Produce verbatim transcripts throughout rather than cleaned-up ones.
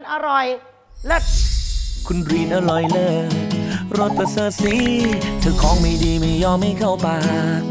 อร่อยเลิศคุณรีนอร่อยเลิศรสประเสริฐสีเธอของไม่ดีไม่ยอมไม่เข้าปาก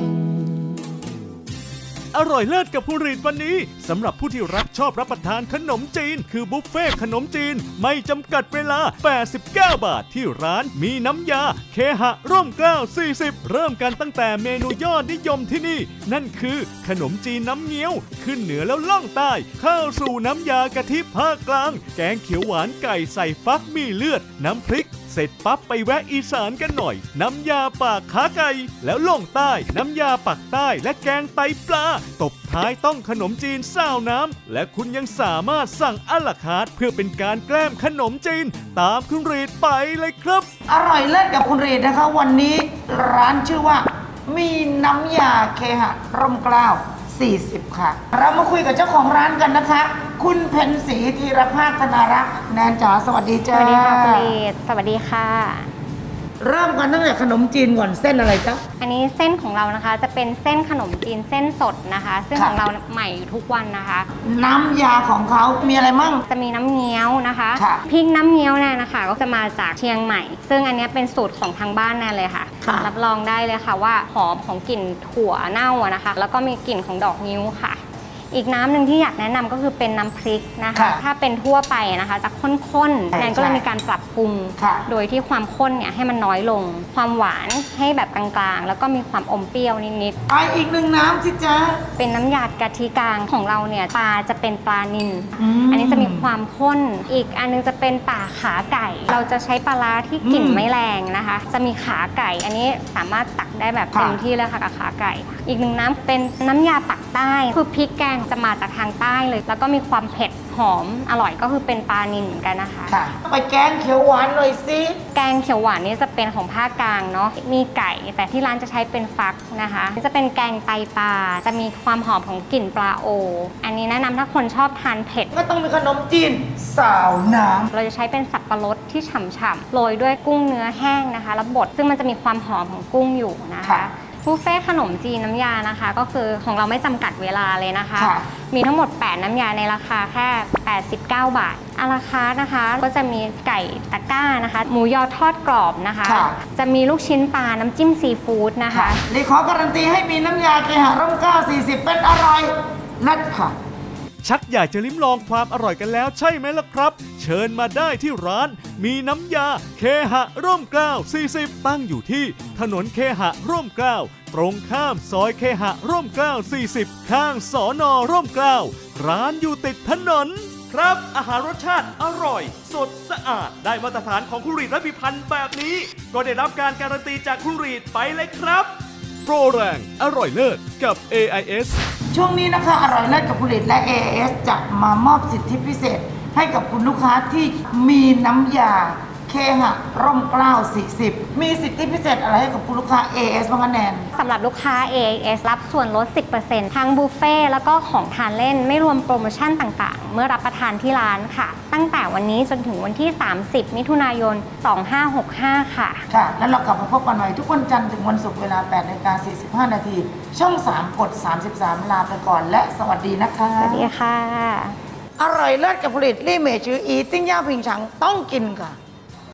อร่อยเลิศกับผู้รีดวันนี้สำหรับผู้ที่รักชอบรับประทานขนมจีนคือบุฟเฟ่ขนมจีนไม่จำกัดเวลาแปดสิบเก้าบาทที่ร้านมีน้ำยาเคหะร่มเกล้าสี่สิบเริ่มกันตั้งแต่เมนูยอดนิยมที่นี่นั่นคือขนมจีนน้ำเงี้ยวขึ้นเหนือแล้วล่องใต้เข้าสู่น้ำยากะทิภาคกลางแกงเขียวหวานไก่ใส่ฟักมีเลือดน้ำพริกเสร็จปั๊บไปแวะอีสานกันหน่อยน้ำยาปากขาไก่แล้วล่องใต้น้ำยาปักใต้และแกงไตปลาตบท้ายต้องขนมจีนซาวน้ำและคุณยังสามารถสั่งอะลาคาร์ทเพื่อเป็นการแกล้มขนมจีนตามคุณรีดไปเลยครับอร่อยเลิศกับคุณรีดนะคะวันนี้ร้านชื่อว่ามีน้ำยาเคหะร่มเกล้าสี่สิบค่ะเรามาคุยกับเจ้าของร้านกันนะคะคุณเพ็ญศรีธีรภาคธนารักษ์แนนจ๋าสวัสดีจ้าสวัสดีค่ะคุณลีดสวัสดีค่ะเริ่มกันตั้งแต่ขนมจีนก่อนเส้นอะไรจ๊ะอันนี้เส้นของเรานะคะจะเป็นเส้นขนมจีนเส้นสดนะคะซึ่งของเราใหม่อยู่ทุกวันนะคะน้ำยาของเขามีอะไรมั่งจะมีน้ำเงี้ยวนะคะพริกน้ำเงี้ยวเนี่ยนะคะก็จะมาจากเชียงใหม่ซึ่งอันนี้เป็นสูตรของทางบ้านแน่เลยค่ะรับรองได้เลยค่ะว่าหอมของกลิ่นถั่วเน่านะคะแล้วก็มีกลิ่นของดอกงิ้วค่ะอีกน้ำหนึ่งที่อยากแนะนำก็คือเป็นน้ำพริกนะคะถ้าเป็นทั่วไปนะคะจะข้นๆแนนก็เลยมีการปรับปรุงโดยที่ความข้นเนี่ยให้มันน้อยลงความหวานให้แบบกลางๆแล้วก็มีความอมเปรี้ยวนิดๆไปอีกหนึ่งน้ำสิจ๊ะเป็นน้ำยากะทิกลางของเราเนี่ยปลาจะเป็นปลานิล อ, อันนี้จะมีความข้นอีกอันนึงจะเป็นป่าขาไก่เราจะใช้ปลาร้าที่กลิ่นไม่แรงนะคะจะมีขาไก่อันนี้สามารถตักได้แบบเต็มที่เลยค่ะกับขาไก่อีกหนึ่งน้ำเป็นน้ำยาปักใต้คือพริกแกงจะมาจากทางใต้เลยแล้วก็มีความเผ็ดหอมอร่อยก็คือเป็นปลานิลเหมือนกันนะคะไปแกงเขียวหวานหน่อยสิแกงเขียวหวานนี่จะเป็นของภาคกลางเนาะมีไก่แต่ที่ร้านจะใช้เป็นฟักนะคะนี่จะเป็นแกงไตปลาจะมีความหอมของกลิ่นปลาโออันนี้แนะนำถ้าคนชอบทานเผ็ดก็ต้องมีขนมจีนสาวน้ำเราจะใช้เป็นสับปะรดที่ฉ่ำๆโรยด้วยกุ้งเนื้อแห้งนะคะแล้วบดซึ่งมันจะมีความหอมของกุ้งอยู่นะคะบุฟเฟ่ขนมจีนน้ำยานะคะก็คือของเราไม่จำกัดเวลาเลยนะคะมีทั้งหมดแปดน้ำยาในราคาแค่แปดสิบเก้าบาทอะลาคาร์ทนะคะก็จะมีไก่ตะกร้านะคะหมูยอทอดกรอบนะคะจะมีลูกชิ้นปลาน้ำจิ้มซีฟู้ดนะคะเลยขอการันตีให้มีน้ำยาเคหะร่มเกล้าสี่สิบเป็นอร่อยนัดค่ะชักอยากจะลิ้มลองความอร่อยกันแล้วใช่ไหมล่ะครับเชิญมาได้ที่ร้านมีน้ำยาเคหะร่มเกล้าสี่สิบตั้งอยู่ที่ถนนเคหะร่มเกล้าตรงข้ามซอยเคหะร่มเกล้าสี่สิบข้างสน.ร่มเกล้าร้านอยู่ติดถนนครับอาหารรสชาติอร่อยสดสะอาดได้มาตรฐานของคุณรีดและพิพันธ์แบบนี้ก็ได้รับการการันตีจากคุณรีดไปเลยครับโปรแรงอร่อยเลิศกับ เอ ไอ เอสช่วงนี้นะคะอร่อยเลิศกับผลิตและ เอ ไอ เอส จะมามอบสิทธิพิเศษให้กับคุณลูกค้าที่มีน้ำยาเคหะร่มเกล้าสี่สิบมีสิทธิพิเศษอะไรให้กับคุณลูกค้า เอ เอส บ้างคะแนนสำหรับลูกค้า เอ ไอ เอส รับส่วนลด สิบเปอร์เซ็นต์ ทั้งบุฟเฟ่แล้วก็ของทานเล่นไม่รวมโปรโมชั่นต่างๆเมื่อรับประทานที่ร้านค่ะตั้งแต่วันนี้จนถึงวันที่สามสิบมิถุนายนสองห้าหกห้าค่ะค่ะแล้วเรากลับมาพบกันใหม่ทุกวันจันทร์ถึงวันศุกร์เวลา แปดนาฬิกาสี่สิบห้านาทีช่องสามกดสามสิบสามลาไปก่อนและสวัสดีนะคะสวัสดีค่ะอร่อยเลิศกับผลิตลี่เมจืออีติ้งย่าผิงฉังต้องกินค่ะ